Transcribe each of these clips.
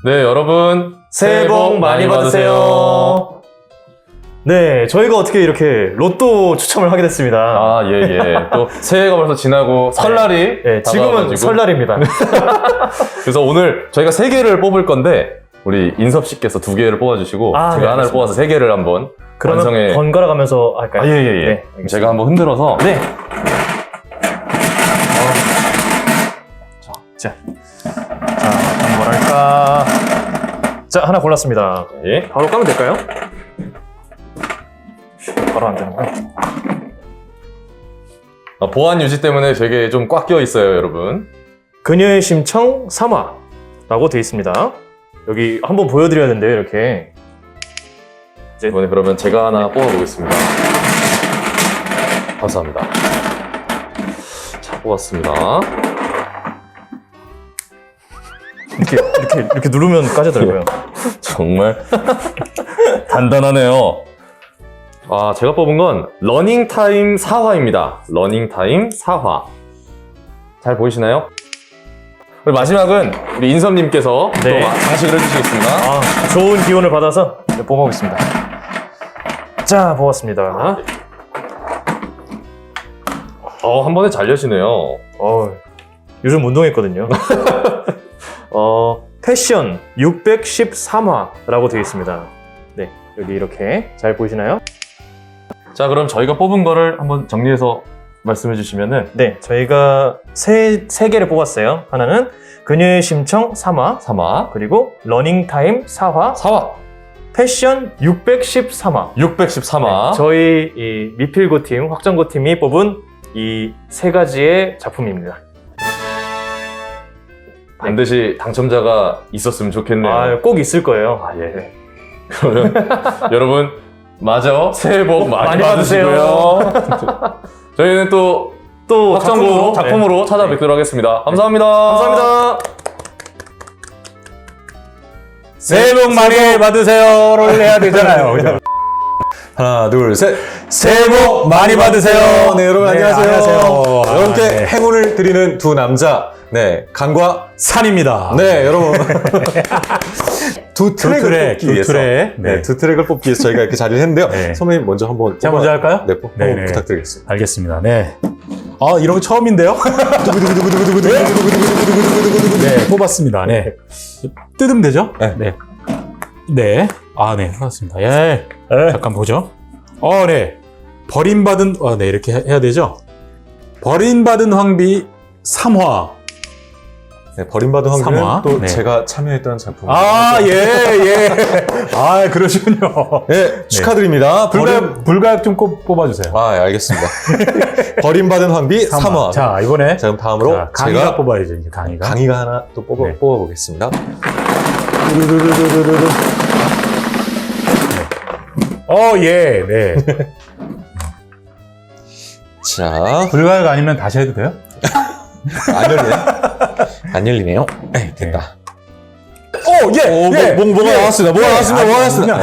네, 여러분 새해 복 많이 받으세요. 네, 저희가 어떻게 이렇게 로또 추첨을 하게 됐습니다. 아, 예. 또 새해가 벌써 지나고 설날이 네, 지금은 다가와가지고. 설날입니다. 그래서 오늘 저희가 3개를 뽑을 건데 우리 인섭 씨께서 2개를 뽑아주시고 제가 네, 하나를 알겠습니다. 뽑아서 3개를 한번 그러면 완성해. 번갈아 가면서 할까요? 예. 네, 알겠습니다. 제가 한번 흔들어서 네. 자, 어떤 걸 할까? 자, 하나 골랐습니다. 예. 바로 까면 될까요? 바로 안 되는구나. 보안 유지 때문에 되게 좀 꽉 껴 있어요, 여러분. 그녀의 심청 3화라고 되어 있습니다. 여기 한번 보여드려야 된대요, 이렇게. 이번에 그러면 제가 하나 뽑아보겠습니다. 감사합니다. 자, 뽑았습니다. 이렇게 누르면 까지더라고요. 정말 단단하네요. 아, 제가 뽑은 건 러닝타임 4화입니다. 러닝타임 4화. 잘 보이시나요? 그리고 마지막은 우리 인섭님께서 네. 또 장식을 해주시겠습니다. 아, 좋은 기운을 받아서 뽑아보겠습니다. 자, 뽑았습니다. 한 번에 잘 여시네요. 요즘 운동했거든요. 패션 613화라고 되어 있습니다. 네, 여기 이렇게 잘 보이시나요? 자, 그럼 저희가 뽑은 거를 한번 정리해서 말씀해 주시면은. 네, 저희가 세 개를 뽑았어요. 하나는 그녀의 심청 3화, 3화, 그리고 러닝타임 4화, 4화, 패션 613화. 613화. 네, 저희 이 미필고 팀, 확정고 팀이 뽑은 이 세 가지의 작품입니다. 반드시 당첨자가 있었으면 좋겠네요. 꼭 있을 거예요. 예. 그러면 여러분 마저 새해 복 많이 많이 받으시고요. 저희는 또 확정고 작품으로 네. 찾아뵙도록 하겠습니다. 감사합니다. 감사합니다. 새해 복 많이 받으세요를 해야 되잖아요. 그죠? 하나, 둘, 셋. 새해 복 많이 받으세요. 네, 여러분 네, 안녕하세요. 안녕하세요. 여러분께 네. 행운을 드리는 두 남자. 네, 강과 산입니다. 네, 여러분. 두 트랙을 트랙, 뽑기 두 위해서. 트랙. 네, 네. 두 트랙을 뽑기 위해서 저희가 이렇게 자리를 했는데요. 네. 선배님 먼저 한번 제가 먼저 할까요? 네, 네, 한번 네. 부탁드리겠습니다. 알겠습니다. 네. 이런 거 처음인데요? 네, 뽑았습니다. 네. 뜯으면 되죠? 네. 네. 네. 네, 알았습니다. 예. 잠깐 보죠. 네. 버림받은, 네, 이렇게 해야 되죠? 버림받은 황비 3화. 네, 버림받은 황비는 삼화. 또 네. 제가 참여했던 작품. 예. 그러시군요. 네, 축하드립니다. 불가역 좀 뽑아주세요. 알겠습니다. 버림받은 황비 3화. 자, 이번에. 자, 그럼 다음으로 강의가 제가 뽑아야죠, 이제 강의가. 강의가 하나 또 네. 뽑아보겠습니다. 네. 자, 불가역 아니면 다시 해도 돼요? 안 열리네. 안 열리네요. 네, 됐다. 뭐가 나왔습니다. 뭐가 나왔습니다.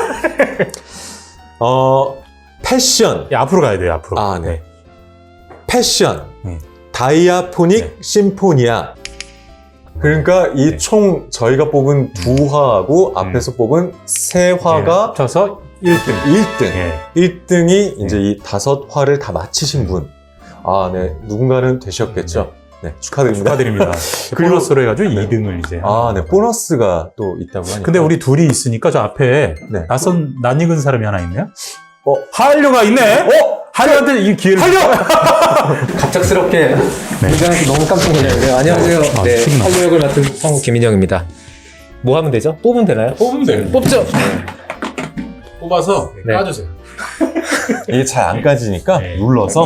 패션. 앞으로 가야 돼요, 앞으로. 네. 패션. 네. 다이아포닉 심포니아. 그러니까 이 네. 총 저희가 뽑은 두 화하고 앞에서 뽑은 세 화가 합쳐서 1등. 1등. 예. 1등이 이제 이 5화를 다 마치신 분. 네. 누군가는 되셨겠죠. 네. 축하드립니다. 축하드립니다. 그리고- 보너스로 해가지고 2등을 이제. 네. 보너스가 또 있다고 하니까. 근데 우리 둘이 있으니까 저 앞에 네. 낯익은 사람이 하나 있네요? 한류가 있네? 한류한테 이 기회를. 갑작스럽게 등장해서 너무 깜짝 놀랐는데요. 안녕하세요. 네, 신나. 한류 역을 맡은 성우 김인영입니다. 뭐 하면 되죠? 뽑으면 되나요? 뽑으면 돼요. 뽑죠. 뽑아서 네. 까주세요. 이게 잘 안 까지니까 네. 눌러서.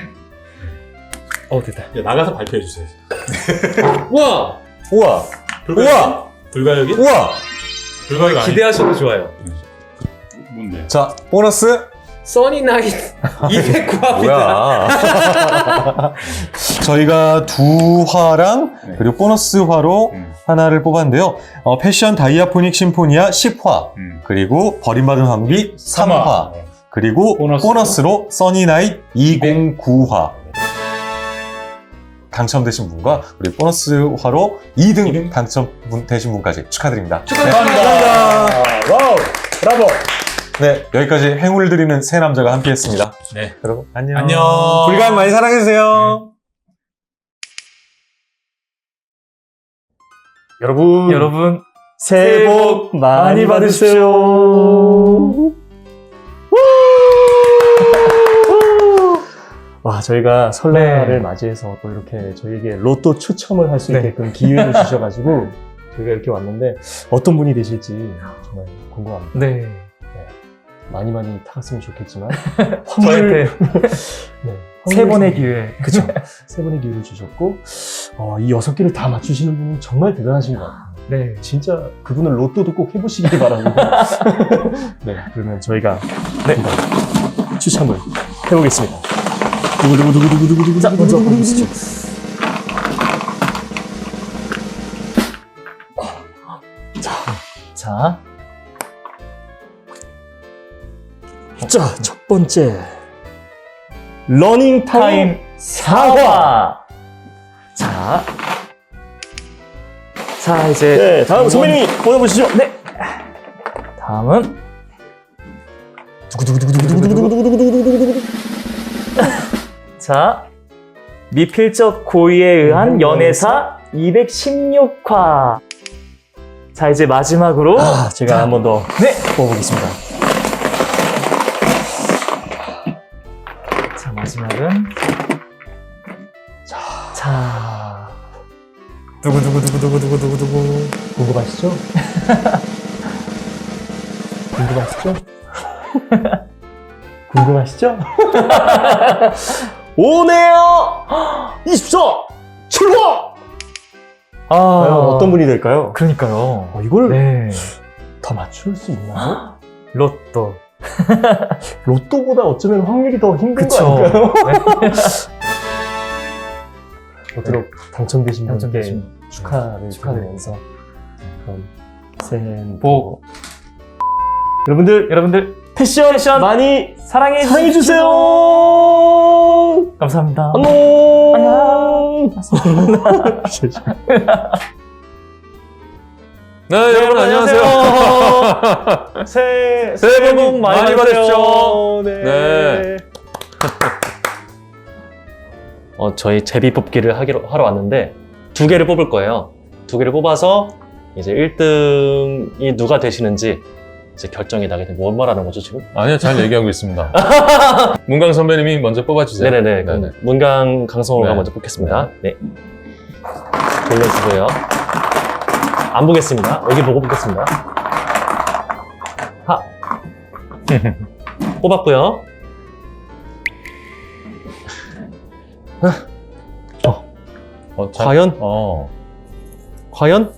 됐다. 나가서 발표해 주세요. 우와! 우와! 우와! 불가역이? 우와! 불가역 아니 기대하셔도 좋아요. 뭔데? 자, 보너스. 써니나잇 209화입니다. 뭐야. 저희가 두 화랑 네. 그리고 보너스 화로 하나를 뽑았는데요. 패션 다이아포닉 심포니아 10화, 그리고 버림받은 황비 3화, 그리고 보너스로? 보너스로 써니나잇 209화. 당첨되신 분과 우리 보너스화로 2등 당첨되신 분까지 축하드립니다. 와우, 브라보. 네, 여기까지 행운을 드리는 세 남자가 함께했습니다. 네. 여러분 안녕. 안녕. 불가항 많이 사랑해주세요. 여러분 새해 복 많이 받으세요. 와, 저희가 설날을 맞이해서 또 이렇게 저희에게 로또 추첨을 할 수 있게끔 기회를 주셔가지고 저희가 이렇게 왔는데 어떤 분이 되실지 정말 궁금합니다. 네. 많이 타갔으면 좋겠지만 저한테 네, 세 번의 기회. 그쵸. 세 번의 기회를 주셨고 이 6개를 다 맞추시는 분은 정말 대단하신 것 같아요. 네. 진짜 그분은 로또도 꼭 해보시길 바랍니다. 네, 그러면 저희가 한번 추첨을 해보겠습니다. 두구두구두구두구두구두구. 자, 먼저 보시죠. 자, 첫 번째 러닝 타임 사과. 자, 이제 네, 다음 선배님이 보내보시죠. 네. 다음은 자, 미필적 고의에 의한 연애사 216화. 자, 이제 마지막으로 제가 한 번 더 뽑아보겠습니다. 자, 마지막은 자, 두구두구두구두구두구두구. 궁금하시죠? 궁금하시죠? 궁금하시죠? 오네요! 24! 출화! 과연 어떤 분이 될까요? 그러니까요. 이걸 네. 다 맞출 수 있나요? 로또. 로또보다 어쩌면 확률이 더 힘든 거 그쵸. 아닐까요? 네. 모쪼록 당첨되신 분께 당첨되신 축하를 축하드리면서 그럼 새해 복. 여러분들 패션 많이 사랑해주세요. 감사합니다. 안녕. 네, 여러분 안녕하세요. 새해 복 많이 받으십시오. 네. 저희 제비 뽑기를 하러 왔는데 2개를 뽑을 거예요. 2개를 뽑아서 이제 1등이 누가 되시는지 이제 결정이 나게 되면 뭔 말하는 거죠 지금? 아니요, 잘 얘기하고 있습니다. 문강 선배님이 먼저 뽑아주세요. 네네네. 그럼 문강 강성호가 네. 먼저 뽑겠습니다. 네. 돌려주고요. 안 보겠습니다. 여기 보고 뽑겠습니다. 하. 뽑았고요. 과연? 과연?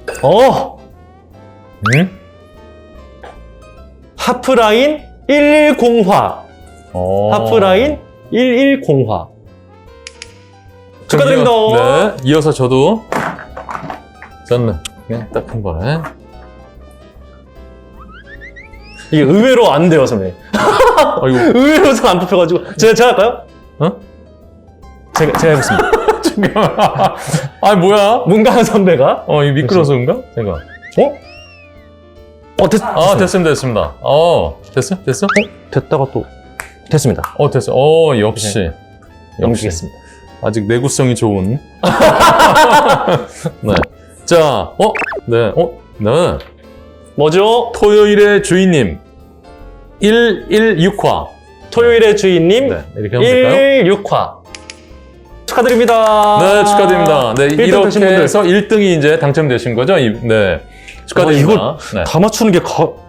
하프라인 110화. 하프라인 110화. 축하드립니다. 네, 이어서 저도 저는 그냥 딱 한 번에. 이게 의외로 안 돼요, 선배님. 아이고. 의외로 잘 안 뽑혀가지고. 제가 할까요? 제가 해보겠습니다. 잠깐만. 아, 뭐야? 문강 선배가. 이 미끄러서 그런가? 제가. 됐습니다. 됐어? 됐다가 또. 됐습니다. 됐어. 역시. 넘기겠습니다. 아직 내구성이 좋은. 네. 자, 네. 뭐죠? 토요일의 주인님. 116화. 토요일의 주인님. 네, 이렇게 하면 될까요? 116화. 축하드립니다. 네, 축하드립니다. 네, 1등 이렇게 되신 분들. 해서 1등이 이제 당첨되신 거죠? 네. 축하드립니다. 이걸 네. 다 맞추는 게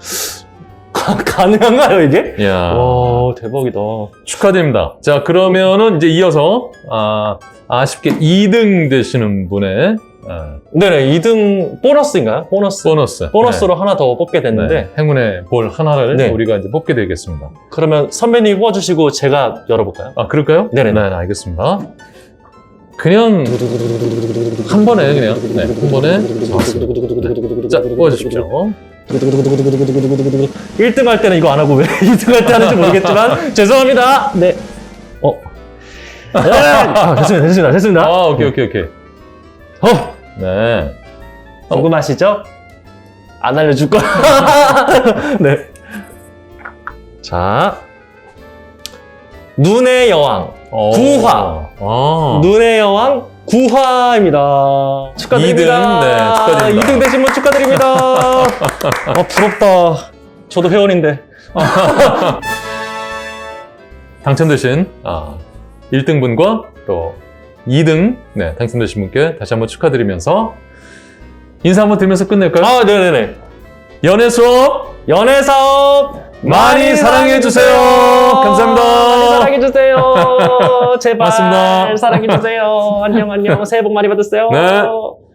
가능한가요, 이게? 이야. 와, 대박이다. 축하드립니다. 자, 그러면은 이제 이어서, 아쉽게 2등 되시는 분의, 네네, 2등 보너스인가요? 보너스로 하나 더 뽑게 됐는데, 네, 행운의 볼 하나를 네. 우리가 이제 뽑게 되겠습니다. 그러면 선배님 뽑아주시고 제가 열어볼까요? 그럴까요? 네네. 네, 알겠습니다. 그냥, 한 번에, 그냥, 네, 한 번에, 자, 뽑아주십시오. 1등 할 때는 이거 안 하고 왜 2등 할 때 하는지 모르겠지만, 죄송합니다. 네. 됐습니다. 아, 오케이. 네. 궁금하시죠? 안 알려줄 거야. 네. 자, 눈의 여왕 구화. 눈의 여왕 구화입니다. 축하드립니다. 2등, 네, 축하드립니다. 2등 되신 분 축하드립니다. 부럽다. 저도 회원인데. 당첨되신 1등 분과 또 2등 당첨되신 분께 다시 한번 축하드리면서 인사 한번 드리면서 끝낼까요? 네네네. 연애 수업 연애 사업 많이 사랑해주세요. 감사합니다. 많이 사랑해주세요. 제발 고맙습니다. 사랑해주세요. 안녕. 새해 복 많이 받으세요. 네.